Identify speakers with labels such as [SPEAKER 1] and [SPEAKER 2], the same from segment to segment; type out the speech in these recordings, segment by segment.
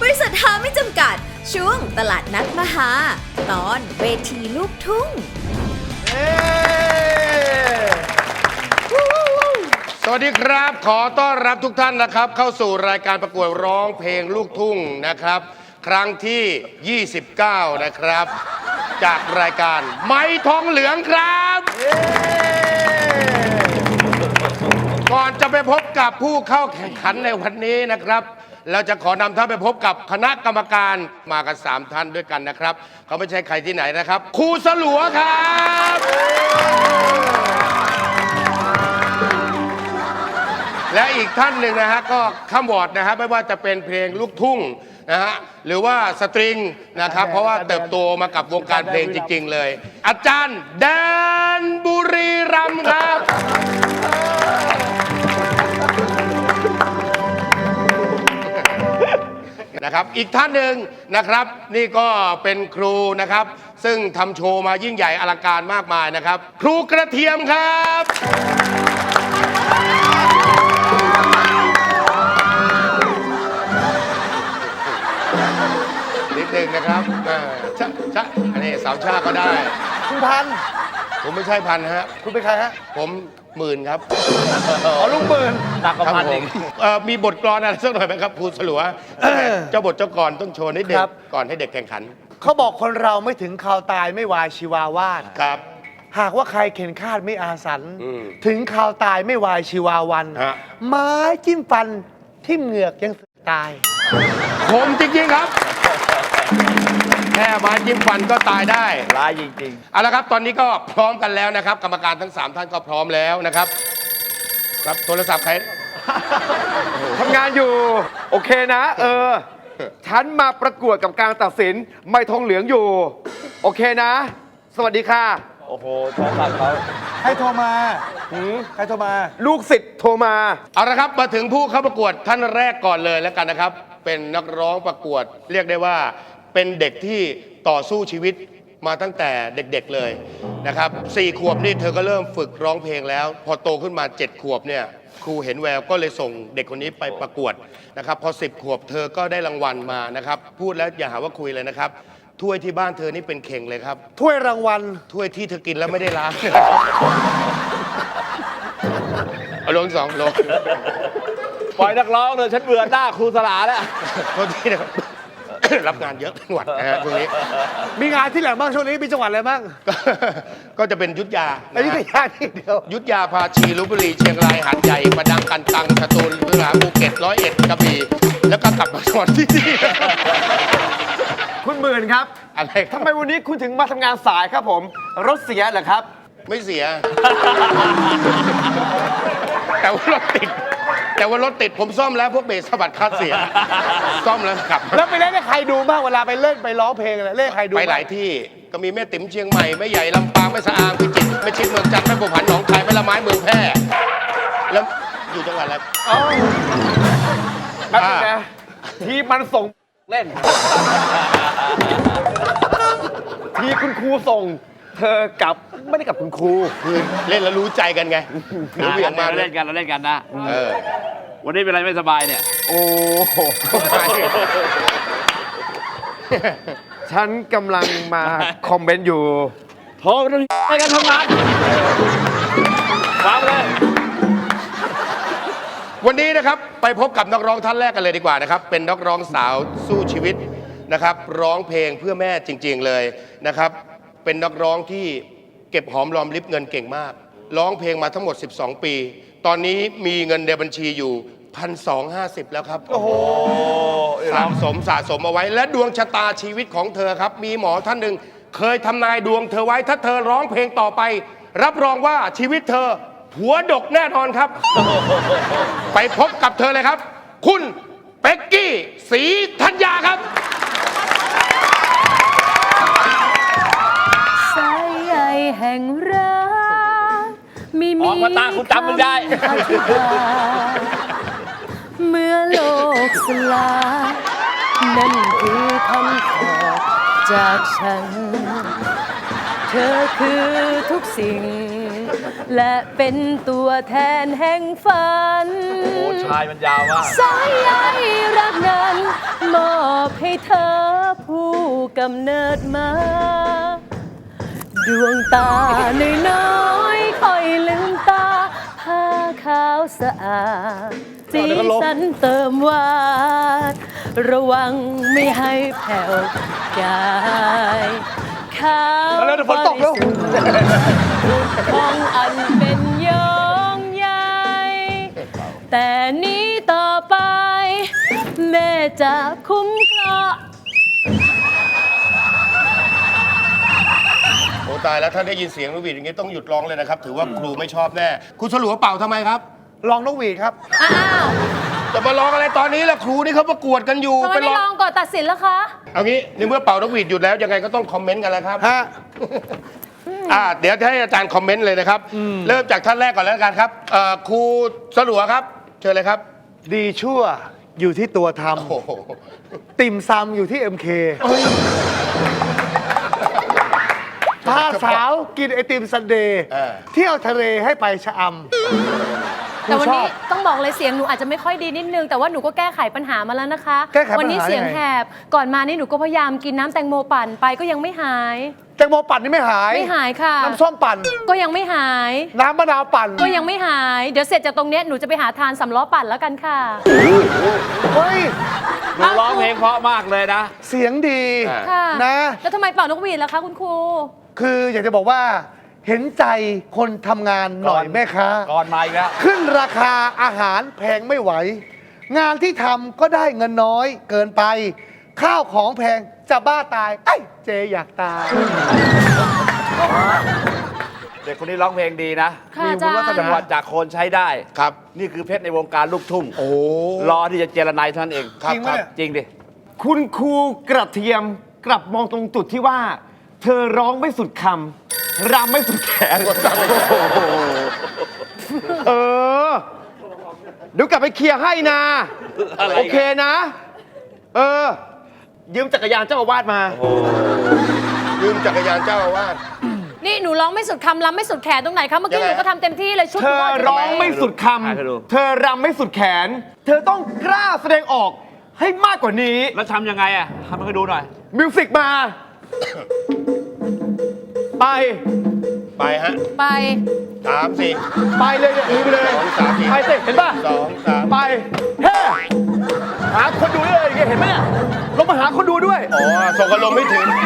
[SPEAKER 1] ริษัทหาไม่จำกัดช่วงตลาดนัดมหาตอนเวทีลูกทุ่ง
[SPEAKER 2] สวัสดีครับขอต้อนรับทุกท่านนะครับเข้าสู่รายการประกวดร้องเพลงลูกทุ่งนะครับครั้งที่ 29 นะครับจากรายการไม้ทองเหลืองครับก่อนจะไปพบกับผู้เข้าแข่งขันในวันนี้นะครับเราจะขอนำท่านไปพบกับคณะกรรมการมากัน3ท่านด้วยกันนะครับเขาไม่ใช่ใครที่ไหนนะครับครูสลัวครับและอีกท่านหนึ่งนะฮะก็ข้ามวอร์ดนะฮะไม่ว่าจะเป็นเพลงลูกทุ่งนะฮะหรือว่าสตริงนะครับเพราะว่าเติบโตมากับวงการเพลงจริงๆเลยอาจารย์แดนบุรีรัมย์ครับนะครับอีกท่านหนึ่งนะครับนี่ก็เป็นครูนะครับซึ่งทำโชว์มายิ่งใหญ่อลังการมากมายนะครับครูกระเทียมครับนิดหนึ่งนะครับชะอันนี้สาวชาก็ได้
[SPEAKER 3] คุณพัน
[SPEAKER 2] ผมไม่ใช่พันฮะ
[SPEAKER 3] คุณเป็นใครฮะ
[SPEAKER 2] ผมหมื่นครับ
[SPEAKER 3] อ๋อลุงหมื่น
[SPEAKER 4] หนักกว่าพันเอง
[SPEAKER 2] มีบทกลอนอะไรสักหน่อยไหมครับครูสลัวเจ้าบทเจ้ากลอนต้องโชว์นิดเดียวก่อนให้เด็กแข่งขัน
[SPEAKER 3] เขาบอกคนเราไม่ถึงข่าวตายไม่วายชีวาวาด
[SPEAKER 2] ครับ
[SPEAKER 3] หากว่าใครเข็นคาดไม่อาสันถึงข่าวตายไม่วายชีวาวันไม้จิ้มฟันทิ่มเหงือกยังตาย
[SPEAKER 2] คมจริงๆครับแค่ไม้จิ้มฟันก็ตายได้
[SPEAKER 4] ร้ายจริง
[SPEAKER 2] ๆเอาละครับตอนนี้ก็พร้อมกันแล้วนะครับกรรมการทั้ง3ท่านก็พร้อมแล้วนะครับครับโทรศัพท์ใคร
[SPEAKER 4] ทำงานอยู่โอเคนะฉันมาประกวดกับการตัดสินไม่ทองเหลืองอยู่โอเคนะสวัสดีค่ะโอ้โหโทรศัพท์เขา
[SPEAKER 3] ใครโทรมาใครโทรมา
[SPEAKER 4] ลูกศิษย์โทรมา
[SPEAKER 2] เอาละครับมาถึงผู้เข้าประกวดท่านแรกก่อนเลยแล้วกันนะครับเป็นนักร้องประกวดเรียกได้ว่าเป็นเด็กที่ต่อสู้ชีวิตมาตั้งแต่เด็กๆเลยนะครับ4 ขวบนี่เธอก็เริ่มฝึกร้องเพลงแล้วพอโตขึ้นมา7 ขวบเนี่ยครูเห็นแววก็เลยส่งเด็กคนนี้ไปประกวดนะครับพอ10 ขวบเธอก็ได้รางวัลมานะครับพูดแล้วอย่าหาว่าคุยเลยนะครับถ้วยที่บ้านเธอนี่เป็นเข่งเลยครับ
[SPEAKER 3] ถ้วยรางวัล
[SPEAKER 2] ถ้วยที่เธอกินแล้วไม่ได้ล้างเอาลง2 ลง
[SPEAKER 4] ปล่อยนักร้องเลยฉันเบื่อหน้าครูสลาแล้ว
[SPEAKER 2] โทษทีนะครับรับงานเยอะจังหวัดนะฮะช่วงนี้
[SPEAKER 3] มีงานที่ไหนบ้างช่วงนี้มีจังหวัดอะไรบ้าง
[SPEAKER 2] ก็จะเป็นยุทธยา
[SPEAKER 3] ยุทธยาที่เดียว
[SPEAKER 2] ยุทธยาพาชีลพบุรีเชียงรายหาดใหญ่ประดังกันตังสตูลสระภูเก็ต101กระบี่แล้วก็กลับมาจังหวัดที่นี่
[SPEAKER 4] คุณหมื่นครับ
[SPEAKER 2] อะไร
[SPEAKER 4] ทำไมวันนี้คุณถึงมาทำงานสายครับผมรถเสียเหรอครับ
[SPEAKER 2] ไม่เสียแต่ว่ารถติดผมซ่อมแล้วพวกเบสสะบัดคัดเสียซ่อมแล้วขับ
[SPEAKER 3] แล้วไปเล่นให้ใครดูบ้างเวลาไปเล่นไปร้องเพลงอะไรเล่นใครดู
[SPEAKER 2] ไปหลายที่ก็มีแม่ติ๋มเชียงใหม่แม่ใหญ่ลำปางแม่สะอางพิจิตรแม่ชิดเมืองจันทร์แม่บัวผันหนองคายแม่ละไม้เมืองแพร่แล้วอยู่จังหวัดอะไร
[SPEAKER 4] แป๊บนึงนะที่มันส่งเล่นที่คุณครูส่งเธอกลับไม่ได้กับคุณครู
[SPEAKER 2] คือเล่นแล้วรู้ใจกันไง
[SPEAKER 4] รู้เวียงมาเล่นกันนะวันนี้เป็นไรไม่สบายเนี่ยโอ้ฉันกำลังมาคอมเมนต์อยู่โทรไปกันทำงานฟังเลย
[SPEAKER 2] วันนี้นะครับไปพบกับนักร้องท่านแรกกันเลยดีกว่านะครับเป็นนักร้องสาวสู้ชีวิตนะครับร้องเพลงเพื่อแม่จริงๆเลยนะครับเป็นนักร้องที่เก็บหอมรอมริบเงินเก่งมากร้องเพลงมาทั้งหมด12 ปีตอนนี้มีเงินในบัญชีอยู่ 1,250 แล้วครับ
[SPEAKER 3] โอ้โห
[SPEAKER 2] สะสมเอาไว้และดวงชะตาชีวิตของเธอครับมีหมอท่านหนึ่งเคยทำนายดวงเธอไว้ถ้าเธอร้องเพลงต่อไปรับรองว่าชีวิตเธอหัวดกแน่นอนครับไปพบกับเธอเลยครับคุณเป็กกี้ศรีธัญญาครับ
[SPEAKER 1] สายใยแห่งรักไม่มี
[SPEAKER 4] ออกมาตาคุณจำมันได้
[SPEAKER 1] เมื่อโลกสลายนั่นคือคำขอจากฉันเธอคือทุกสิ่งและเป็นตัวแทนแห่งฝัน
[SPEAKER 4] โอ้ชายมันยาวมาก
[SPEAKER 1] สายใยรักนั้นมอบเธอผู้กำเนิดมา ดวงตาน้อยๆค่อยลืมตาผ้าขาวสะอาดสีสันเติมหวานระวังไม่ให้แผ่วกายขาวบริสุทธิ์ของอันเป็นยองใหญ่ แต่นี้ต่อไป แม่จะคุ้มครอง
[SPEAKER 2] โอ้ตายแล้วถ้าได้ยินเสียงนกหวีดอย่างนี้ต้องหยุดร้องเลยนะครับ ถือว่าครูไม่ชอบแน่คุณสลัวเป่าทำไมครับ
[SPEAKER 3] ลองนกหวีดครับ
[SPEAKER 1] อ้าว
[SPEAKER 2] จะมาร้องอะไรตอนนี้ล่ะครูนี่เขาประกวดกันอยู่
[SPEAKER 1] ทำไมไม่ลองก่อนตัดสินล่ะคะ
[SPEAKER 2] เอางี้ในเมื่อเป่านกหวีดหยุดแล้วยังไงก็ต้องคอมเมนต์กันแล้วครับ
[SPEAKER 3] ฮะ
[SPEAKER 2] เดี๋ยวให้อาจารย์คอมเมนต์เลยนะครับ เริ่มจากท่านแรกก่อนแล้วกันครับครูสลัวครับ เชิญเลยครับ
[SPEAKER 3] ดีชั่วอยู่ที่ตัวท
[SPEAKER 2] โอ้โห
[SPEAKER 3] ำติ่มซำอยู่ที่ MK พาสาวกินไอติมซันเดย์เที่ยวทะเลให้ไปชะอำ
[SPEAKER 1] แต่วัน
[SPEAKER 3] ครูช
[SPEAKER 1] นี้
[SPEAKER 3] อบ
[SPEAKER 1] ต้องบอกเลยเสียงหนูอาจจะไม่ค่อยดีนิดนึง แต่ว่าหนูก็แก้ไขปัญหามาแล้วนะคะ
[SPEAKER 3] แก้ไขปัญหา
[SPEAKER 1] วันี้เสียง
[SPEAKER 3] ยังไง
[SPEAKER 1] แหบก่อนมานี่หนูก็พยายามกินน้ำแตงโมปั่นไปก็ยังไม่หาย
[SPEAKER 3] แตงโมปั่นนี่ไม่หาย
[SPEAKER 1] ไม่หายค่ะ
[SPEAKER 3] น้ำส้มปั่น
[SPEAKER 1] ก็ยังไม่หาย
[SPEAKER 3] น้ำมะนาวปั่น
[SPEAKER 1] ก็ยังไม่หาย เดี๋ยวเสร็จจากตรงเนี้ยหนูจะไปหาทานสำล้อปั่นแล้วกันค่ะ
[SPEAKER 3] เฮ้ย
[SPEAKER 5] หนูร้องเพลงเพราะมากเลยนะ
[SPEAKER 3] เสียงดี
[SPEAKER 1] ค่ะ
[SPEAKER 3] นะ
[SPEAKER 1] แล้วทำไมเป่านกหวีดล่ะคะคุณครู
[SPEAKER 3] คืออยากจะบอกว่า เห็นใจคนทำงานหน่อย
[SPEAKER 5] ก่อน
[SPEAKER 3] แม่ค้า
[SPEAKER 5] ก่อนมาอีกแล้ว
[SPEAKER 3] ขึ้นราคาอาหารแพงไม่ไหว งานที่ทำก็ได้เงินน้อยเกินไป ข้าวของแพงจะบ้าตายเอ้ยเจอยากตาย
[SPEAKER 5] เด็กคนนี้ร้องเพลงดีนะ
[SPEAKER 1] ค่ะ
[SPEAKER 5] มี
[SPEAKER 1] อาจารย์
[SPEAKER 5] วุฒิจังหวัดจากโคนใช้ได้
[SPEAKER 2] ครับ
[SPEAKER 5] นี่คือเพชรในวงการลูกทุ่ง
[SPEAKER 2] โอ้
[SPEAKER 5] รอที่จะเจรนายเท่านั้นเอง
[SPEAKER 2] ครับ
[SPEAKER 3] จริงไหม
[SPEAKER 2] ครับ
[SPEAKER 3] เนี่ย
[SPEAKER 5] จริงดิ
[SPEAKER 4] คุณครูกระเทียมกลับมองตรงจุดที่ว่า เธอร้องไม่สุดคำรำไม่สุดแขน เออเดี๋ยวกลับไปเคลียร์ให้นะ
[SPEAKER 5] อะไร
[SPEAKER 4] โอเคนะ เออ ยืมจักรยานเจ้าอาวาสมา
[SPEAKER 2] ยืมจักรยานเจ้าอาวาส
[SPEAKER 1] นี่หนูร้องไม่สุดคำรำไม่สุดแขนตรงไหนคะเมื่อกี้
[SPEAKER 2] ยัง
[SPEAKER 1] ห
[SPEAKER 2] ไง
[SPEAKER 1] นูก็ทำเต็มที่เลยชุด
[SPEAKER 4] เธอร้องไม่สุดค
[SPEAKER 5] ให้ดู
[SPEAKER 4] ำ เธอรำไม่สุดแขน เธอต้องกล้าแสดงออกให้มากกว่านี้
[SPEAKER 5] แล้วทำยังไงอ่ะทำให้ดูหน่อย
[SPEAKER 4] มิวสิกมา ไป
[SPEAKER 2] ไปฮะ
[SPEAKER 1] ไป
[SPEAKER 2] 3 4
[SPEAKER 4] ไปเลยเนี่ยลืมไปเลย
[SPEAKER 2] 2 3 4
[SPEAKER 4] ไปสิเห็นป่ะ
[SPEAKER 2] 2 3
[SPEAKER 4] ไปเฮ้หาคนดูด้วยเห็นไหมเนี่ยลงมาหาคนดูด้วย
[SPEAKER 2] อ๋อส่งอารมณ์ไม่ถึง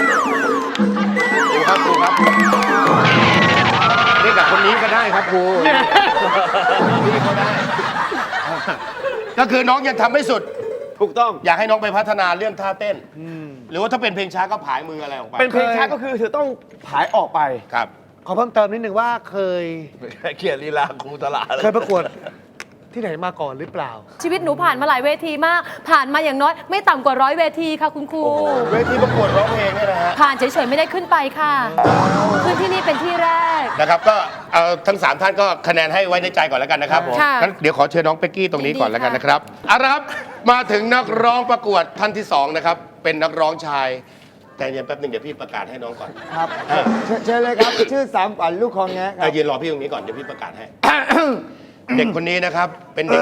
[SPEAKER 2] ครูครับครูครับเรียกกับคนนี้ก็ได้ครับครูนี่ก็ได้ ก็คือน้องยังทำไม่สุด
[SPEAKER 5] ถูกต้อง
[SPEAKER 2] อยากให้น้องไปพัฒนาเรื่องท่าเต้น หรือว่าถ้าเป็นเพลงช้าก็ผายมืออะไรออกไป
[SPEAKER 4] เป็นเพลงช้าก็คือเธอต้องผายออกไป
[SPEAKER 2] ครับ
[SPEAKER 3] ขอเพิ่มเติมนิดนึงว่าเคย
[SPEAKER 5] เขียนลีลาครูตลาด
[SPEAKER 3] เคยประกวดที่ไหนมาก่อนหรือเปล่า
[SPEAKER 1] ชีวิตหนูผ่านมาหลายเวทีมาก ผ่านมาอย่างน้อยไม่ต่ำกว่า100 เวทีค่ะคุณครู
[SPEAKER 2] เวทีประกวดร้องเพลงเนี่ยนะฮะ
[SPEAKER 1] ผ่านเฉยๆไม่ได้ขึ้นไปค่ะ ขึ้นที่นี่เป็นที่แรก
[SPEAKER 2] นะครับก็เอาทั้ง 3 ท่านก็คะแนนให้ไว้ในใจก่อนแล้วกันนะครับผม
[SPEAKER 1] ค่ะ
[SPEAKER 2] งั้นเดี๋ยวขอเชิญน้องเป๊กกี้ตรงนี้ก่อน
[SPEAKER 1] ยินดี
[SPEAKER 2] แล้วกัน
[SPEAKER 1] ค่ะ
[SPEAKER 2] นะครับเอาละครับมาถึงนักร้องประกวดท่านที่ 2 นะครับ เป็นนักร้องชาย แต่เย็นแป๊บหนึงเดี๋ยวพี่ประกาศให้น้องก่อน
[SPEAKER 6] ครับเชิญเลยครับ ชื่อสามฝันลูกคลองแงะครั
[SPEAKER 2] แต่
[SPEAKER 6] บ
[SPEAKER 2] ยืนรอพี่ตรงนี้ก่อนเดี๋ยวพี่ประกาศให้ เด็กคนนี้นะครับเป็นเด็ก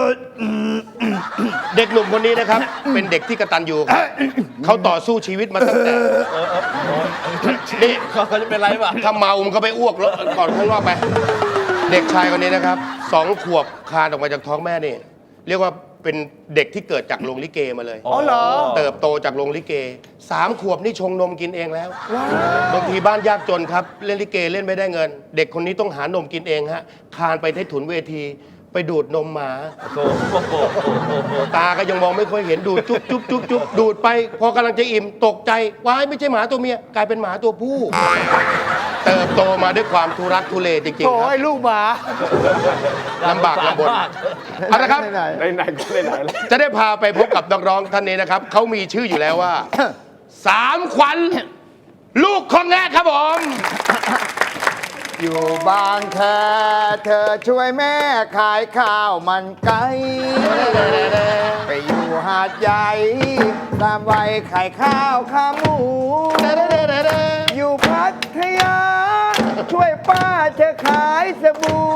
[SPEAKER 2] เด็กหนุ่มคนนี้นะครับ เป็นเด็กที่กตัญญูครับเขาต่อสู้ชีวิตมาตั้งแต่นี่
[SPEAKER 5] เขาจะเป็นไรป่ะ
[SPEAKER 2] ถ้าเมามันก็ไปอ้วกแล้วก่อนข้างนอกไป เด็กชายคนนี้นะครับ2 ขวบคลานออกมาจากท้องแม่นี่ เรียกว่าเป็นเด็กที่เกิดจากโรงลิเกมาเลย
[SPEAKER 3] อ๋อเหรอ
[SPEAKER 2] เติบโตจากโรงลิเก3 ขวบนี่ชงนมกินเองแล้วบางทีบ้านยากจนครับเล่นลิเกเล่นไม่ได้เงิน เด็กคนนี้ต้องหานมกินเองฮะคลานไปที่ถุนเวทีไปดูดนมหมาตาก็ยังมองไม่ค่อยเห็นดูดจุ๊บจุ๊บจุ๊บจุ๊บดูดไป พอกำลังจะอิ่มตกใจว้ายไม่ใช่หมาตัวเมียกลายเป็นหมาตัวผู้ เติบโตมาด้วยความทุรักทุเลจริงๆค
[SPEAKER 3] โอ้
[SPEAKER 2] รับ
[SPEAKER 3] ยลูกหมา
[SPEAKER 2] ลำบากลำบนเอาละครับ
[SPEAKER 6] ไหน
[SPEAKER 4] ไหนๆก็ไหนๆแล้ว
[SPEAKER 2] จะได้พาไปพบกับนักร้องท่านนี้นะครับ เขามีชื่ออยู่แล้วว่า 3 ขวัญ ลูกของแงะครับผม
[SPEAKER 6] อยู่บางแคเธอช่วยแม่ขายข้าวมันไก่ไปอยู่หาดใหญ่ตามวัยขายข้าวขาหมู อยู่พัทยา ช่วยป้าเธอขายสบู่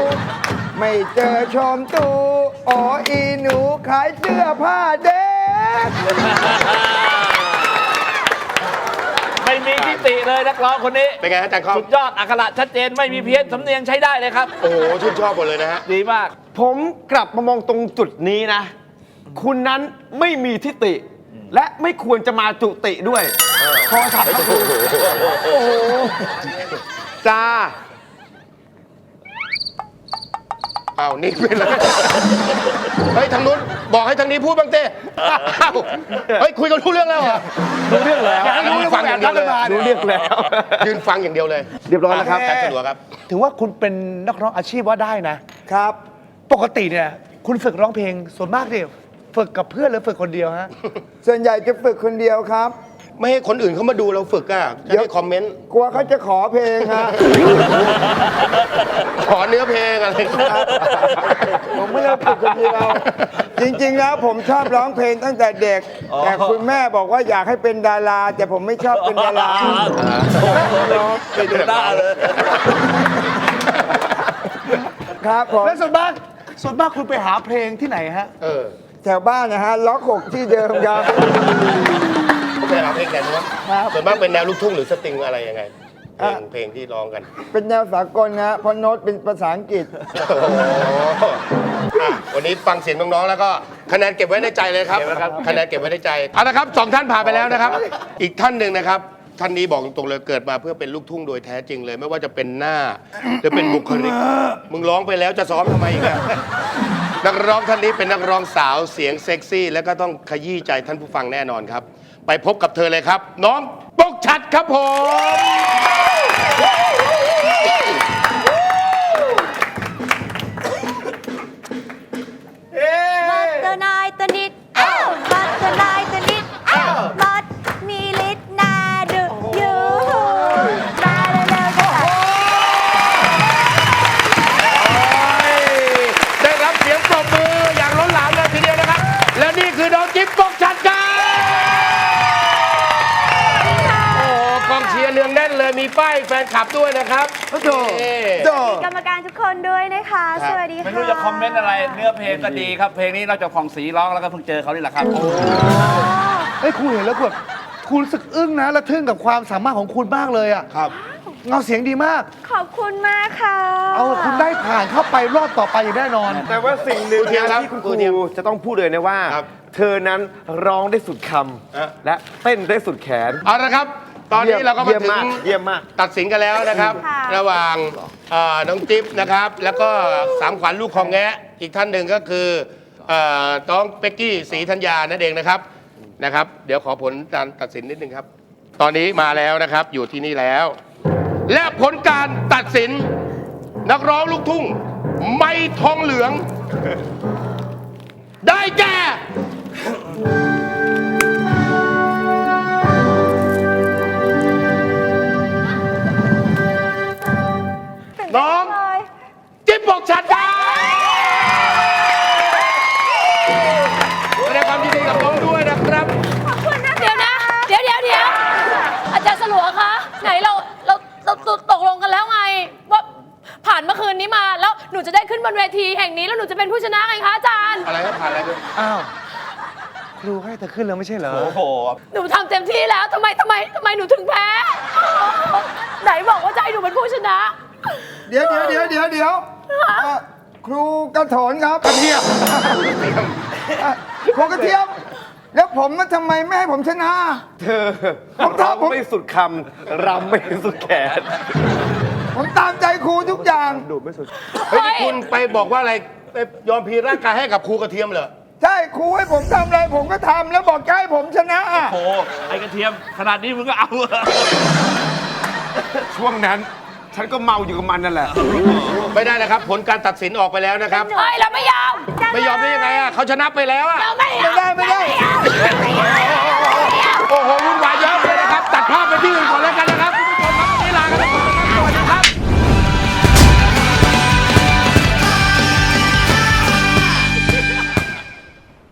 [SPEAKER 6] ไม่เจอชมตูอ๋ออีหนูขายเสื้อผ้าเด็ก
[SPEAKER 5] ไม่มีทิฏฐิเลยนักร้องคนนี้
[SPEAKER 2] เป็นไงฮะอาจารย์คอม
[SPEAKER 5] สุดยอดอักขระชัดเจนไม่มีเพี้ยนสำเนียงใช้ได้เลยครับ
[SPEAKER 2] โอ้โหชื่นชอบหมดเลยนะฮะ
[SPEAKER 5] ดีมาก
[SPEAKER 4] ผมกลับมามองตรงจุดนี้นะ คุณนั้นไม่มีทิฏฐิและไม่ควรจะมาจุติด้วยโทรศัพท์ครับคุณโอ้โหจ้า
[SPEAKER 2] อ้าวนี่เป็นอะไรเฮ้ยทางนู้นบอกให้ทางนี้พูดบ้างเต้อ้าวเฮ้ยคุยกันรู้เรื่องแล้วเหรอ
[SPEAKER 4] รู้เรื่องแล้ว
[SPEAKER 2] ยืนฟังอย่างเดียวเลย
[SPEAKER 4] รู้เรื่องแล้ว
[SPEAKER 2] ยืนฟังอย่างเดียวเลย
[SPEAKER 4] เรียบร้อยแล้วครับ
[SPEAKER 2] อาจารย์สะดวกครับ
[SPEAKER 3] ถือว่าคุณเป็นนักร้องอาชีพว่าได้นะ
[SPEAKER 6] ครับ
[SPEAKER 3] ปกติเนี่ย คุณฝึกร้องเพลงส่วนมากเนี่ยฝึกกับเพื่อนหรือฝึกคนเดียวฮะ
[SPEAKER 6] ส่วนใหญ่จะฝึกคนเดียวครับ
[SPEAKER 2] ไม่ให้คนอื่นเขามาดูเราฝึกอ่ะจะได้คอมเมนต์
[SPEAKER 6] กลัวเขาจะขอเพลงฮะ
[SPEAKER 2] ขอเนื้อเพลงอะไร
[SPEAKER 6] ผมไม่ได้ฝึกคนเดียว จริงๆแล้วผมชอบร้องเพลงตั้งแต่เด็ก แต่คุณแม่บอกว่าอยากให้เป็นดารา แต่ผมไม่ชอบเป็นดารา
[SPEAKER 5] ไปดูหน้าเลย
[SPEAKER 6] ครับผม
[SPEAKER 3] แล้วส่วนมากคุณไปหาเพลงที่ไหนฮะ
[SPEAKER 2] เออ
[SPEAKER 6] แถวบ้านนะฮะล็อก6ที่เดิมครับ
[SPEAKER 2] เขาไปหาเพลงแนวนู้น
[SPEAKER 6] ครับ
[SPEAKER 2] ส่วนมากเป็นแนวลูกทุ่งหรือสตริงอะไรยังไง เพลงที่ร้องกัน
[SPEAKER 6] เป็นแนวสากลนะฮะเพราะโน้ตเป็นภาษาอังกฤษ
[SPEAKER 2] โอ้โหอ่ะวันนี้ฟังเสียงน้องๆ แล้วก็คะแนนเก็บไว้ในใจเลยครับ
[SPEAKER 5] เก็บไว้ครับ
[SPEAKER 2] คะแนนเก็บไว้ในใจเอาละครับสองท่านผ่านไปแล้วนะครับ อีกท่านหนึ่งนะครับ ท่านนี้บอกตรงๆเลยเกิดมาเพื่อเป็นลูกทุ่งโดยแท้จริงเลย ไม่ว่าจะเป็นหน้าหรือเป็นบุคลิก มึงร้องไปแล้วจะซ้อมทำไมอีกอะนักร้องท่านนี้เป็นนักร้องสาวเสียงเซ็กซี่ แล้วก็ต้องขยี้ใจท่านผู้ฟังแน่นอนครับ ไปพบกับเธอเลยครับ น้องปกชัดครับผม
[SPEAKER 7] บัตเตอร์นายตัวนิดบัตเตอร์นายตัวนิดบัตมีลิตรนาดูยูมาเร็วๆกันค่ะ
[SPEAKER 2] ได้รับเสียงปรบมืออย่างล้นหลามเลยทีเดียวนะครับ และนี่คือน้องจิ๊บปกชัดครับโอ้โหกองเชียร์เนืองแน่นเลยมีป้ายแฟนคลับด้วยนะครับ
[SPEAKER 6] โอ้โห
[SPEAKER 2] นี่
[SPEAKER 6] โด
[SPEAKER 7] กรรมการทุกคนด้วยนะคะ
[SPEAKER 2] ครับ
[SPEAKER 7] สวัสดีค่ะ
[SPEAKER 5] ไม่รู้จะคอมเมนต์อะไร เนื้อเพลงก็ดีครับ เพลงนี้นอกจากผ่องศรีร้องแล้วก็เพิ่งเจอเขานี่แหละครับ
[SPEAKER 3] เฮ้ยคุณเห็นแล้วแบบคุณรู้สึกอึ้งนะและทึ่งกับความสามารถของคุณมากเลยอ่ะ
[SPEAKER 2] ครับ
[SPEAKER 3] เงาเสียงดีมาก
[SPEAKER 7] ขอบคุณมากค่ะ
[SPEAKER 3] เอาคุณได้ผ่านเข้าไปรอบต่อไปอย่างแน่นอน
[SPEAKER 4] แต่ว่าสิ่งหนึ่ง
[SPEAKER 2] ครูเทียมครับ
[SPEAKER 4] ที่คุณค
[SPEAKER 2] ครูเทียม
[SPEAKER 4] รูจะต้องพูดเลยนะว่า
[SPEAKER 2] ครับ
[SPEAKER 4] เธอนั้นร้องได้สุดค
[SPEAKER 2] ฮะ
[SPEAKER 4] ำและเต้นได้สุดแขน
[SPEAKER 2] เอาละครับ ตอนนี้เราก็มาถึง
[SPEAKER 4] เยี่ยมมาก
[SPEAKER 2] ตัดสินกันแล้วนะครับ
[SPEAKER 7] ค่ะ
[SPEAKER 2] ระหว่างน้องจิ๊บนะครับ แล้วก็สามขวัญลูกของแงะอีกท่านหนึ่งก็คือน้องเป็กกี้ศรีธัญญานั่นเองนะครับเดี๋ยวขอผลการตัดสินนิดนึงครับ ตอนนี้มาแล้วนะครับอยู่ที่นี่แล้ว และผลการตัดสินนักร้องลูกทุ่งไม่ทองเหลือง ได้แก่ น้อง
[SPEAKER 7] เลย
[SPEAKER 2] จิ๊บบอกชัดครับแสดงความยินดีกับน้องด้วยนะครับ
[SPEAKER 7] ขอบคุณนะคะ
[SPEAKER 1] เดี๋ยวนะ เดี๋ยวอาจารย์สลัวคะไหนเราตกลงกันแล้วไง ว่าผ่านเมื่อคืนนี้มาแล้วหนูจะได้ขึ้นบนเวทีแห่งนี้แล้วหนูจะเป็นผู้ชนะไงคะอาจารย์
[SPEAKER 2] อะไรครับผ่านอะไรไป
[SPEAKER 3] อ้าว ครูให้เธอขึ้นแล้วไม่ใช่เหรอ
[SPEAKER 5] โอ้โห
[SPEAKER 1] หนูทำเต็มที่แล้วทำไมหนูถึงแพ้ ไหนบอกว่าจะให้หนูเป็นผู้ชนะ
[SPEAKER 6] เดี๋ยวครูกระโถนครับกระเทียมครูกระเทียม แล้วผมมันทำไมไม่ให้ผมชนะ
[SPEAKER 4] เธอ
[SPEAKER 6] ผมทำ
[SPEAKER 4] ร้องไม่สุดคำรำไม่สุดแขน
[SPEAKER 6] ผมตามใจครูทุกอย่าง
[SPEAKER 4] ดูไม่สุด
[SPEAKER 2] เฮ้ยนี่คุณไปบอกว่าอะไรไปยอมพลีร่างกายให้กับครูกระเทียมเหรอ
[SPEAKER 6] ใช่ครูให้ผมทำอะไรผมก็ทำแล้วบอกจะให้ผมชนะ
[SPEAKER 5] โอ้โห ไอ้กระเทียมขนาดนี้มึงก็เอาเหรอ
[SPEAKER 4] ช่วงนั้น ฉันก็เมาอยู่กับมันนั่นแหละ
[SPEAKER 2] ไม่ได้นะครับ ผลการตัดสินออกไปแล้วนะครับ
[SPEAKER 1] เฮ้ยเราไม่ยอม
[SPEAKER 2] ไม่ยอมได้ยังไงอ่ะเขาชนะไปแล้วอ่ะ
[SPEAKER 1] เราไม่ยอม
[SPEAKER 6] ไม่ได้
[SPEAKER 2] โอ้โห